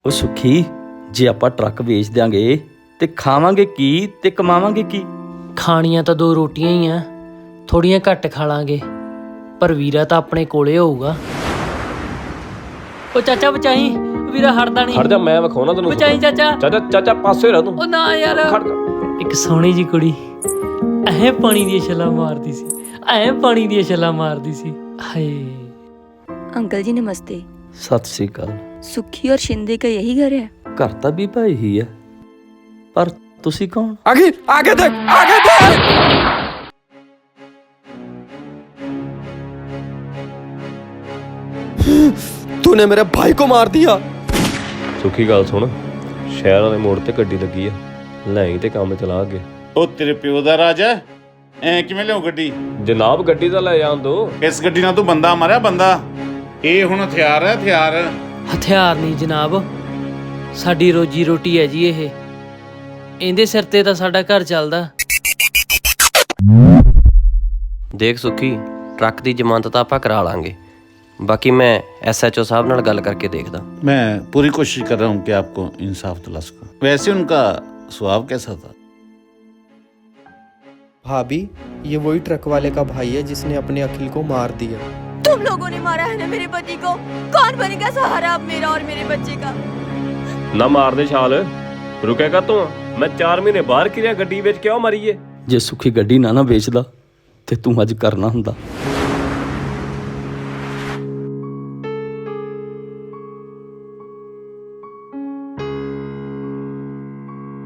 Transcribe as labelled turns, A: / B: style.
A: ਉਹ ਸੁਖੀ, ਜੇ ਆਪਾਂ ਟਰੱਕ ਵੇਚ ਦਿਆਂਗੇ ਤੇ ਖਾਵਾਂਗੇ ਕੀ ਤੇ ਕਮਾਵਾਂਗੇ ਕੀ?
B: ਖਾਣੀਆਂ ਤਾਂ 2 ਰੋਟੀਆਂ ਹੀ ਆ, ਥੋੜੀਆਂ ਘੱਟ ਖਾ ਲਾਂਗੇ, ਪਰ ਵੀਰਾ ਤਾਂ ਆਪਣੇ ਕੋਲੇ ਹੋਊਗਾ। ਉਹ ਚਾਚਾ ਬਚਾਈ, ਵੀਰਾ ਹਟਦਾ ਨਹੀਂ।
C: ਖੜ ਜਾ, ਮੈਂ ਵਿਖਾਉਣਾ ਤੈਨੂੰ।
B: ਬਚਾਈ ਚਾਚਾ।
C: ਚਾਚਾ ਪਾਸੇ ਰਹਿ ਤੂੰ।
B: ਉਹ ਨਾ ਯਾਰ,
C: ਖੜ ਜਾ।
B: ਇੱਕ ਸੋਹਣੀ ਜੀ ਕੁੜੀ ਐ ਪਾਣੀ ਦੀਆਂ ਛੱਲਾਂ ਮਾਰਦੀ ਸੀ, ਐ ਪਾਣੀ ਦੀਆਂ ਛੱਲਾਂ ਮਾਰਦੀ ਸੀ। ਹਾਏ
D: अंकल जी नमस्ते।
A: ਸਤਿ ਸ੍ਰੀ ਅਕਾਲ।
D: सुखी और शिंदे का यही घर है?
A: ਘਰ ਤਾਂ ਵੀ ਭਾਈ ਹੀ ਹੈ, ਪਰ ਤੁਸੀਂ ਕੌਣ?
C: आगे देख।
E: तूने मेरे भाई को मार दिया।
C: ਸੁੱਖੀ ਗੱਲ ਸੁਣ, ਸ਼ਹਿਰ ਵਾਲੇ ਮੋੜ ਤੇ ਗੱਡੀ ਲੱਗੀ ਆ, ਲੈ ਤੇ ਕੰਮ ਚਲਾ ਅੱਗੇ।
F: ਉਹ ਤੇਰੇ ਪਿਓ ਦਾ ਰਾਜ ਹੈ, ਐ ਕਿਵੇਂ ਲਿਆਉ ਗੱਡੀ?
C: ਜਨਾਬ ਗੱਡੀ ਤਾਂ ਲੈ ਜਾਣ ਦੋ।
F: ਇਸ ਗੱਡੀ ਨਾਲ ਤੂੰ ਬੰਦਾ ਮਾਰਿਆ ਬੰਦਾ। ਇਹ ਹੁਣ ਹਥਿਆਰ ਹੈ, ਹਥਿਆਰ।
B: ਹਥਿਆਰ ਨਹੀਂ ਜਨਾਬ, ਸਾਡੀ ਰੋਜੀ ਰੋਟੀ ਹੈ ਜੀ ਇਹ, ਇਹਦੇ ਸਿਰ ਤੇ ਤਾਂ ਸਾਡਾ ਘਰ ਚੱਲਦਾ।
G: ਦੇਖ ਸੁੱਖੀ, ਟਰੱਕ ਦੀ ਜ਼ਮਾਨਤ ਤਾਂ ਆਪਾਂ ਕਰਾ ਲਾਂਗੇ, ਬਾਕੀ मैं SHO साहब नाल गल करके देखदा।
F: मैं पूरी कोशिश कर रहा हूँ कि आपको इंसाफ दिला सकूं। वैसे उनका स्वभाव कैसा था?
E: भाभी, ये वही ट्रक वाले का भाई है जिसने अपने अखिल को मार दिया।
D: तुम लोगों ने मारा है ना मेरे पति को। कौन बनेगा सहारा अब मेरा और मेरे बच्चे का?
C: ਨਾ ਮਾਰ ਦੇ ਛਾਲ, ਰੁਕੇਗਾ ਤੂੰ? ਮੈਂ 4 ਮਹੀਨੇ ਬਾਹਰ ਕਿਰਿਆ, ਗੱਡੀ ਵਿੱਚ ਕਿਉਂ ਮਰੀਏ?
A: ਜੇ ਸੁਖੀ ਗੱਡੀ ਨਾ ਵੇਚਦਾ ਤੇ ਤੂੰ ਅੱਜ ਕਰਨਾ ਹੁੰਦਾ।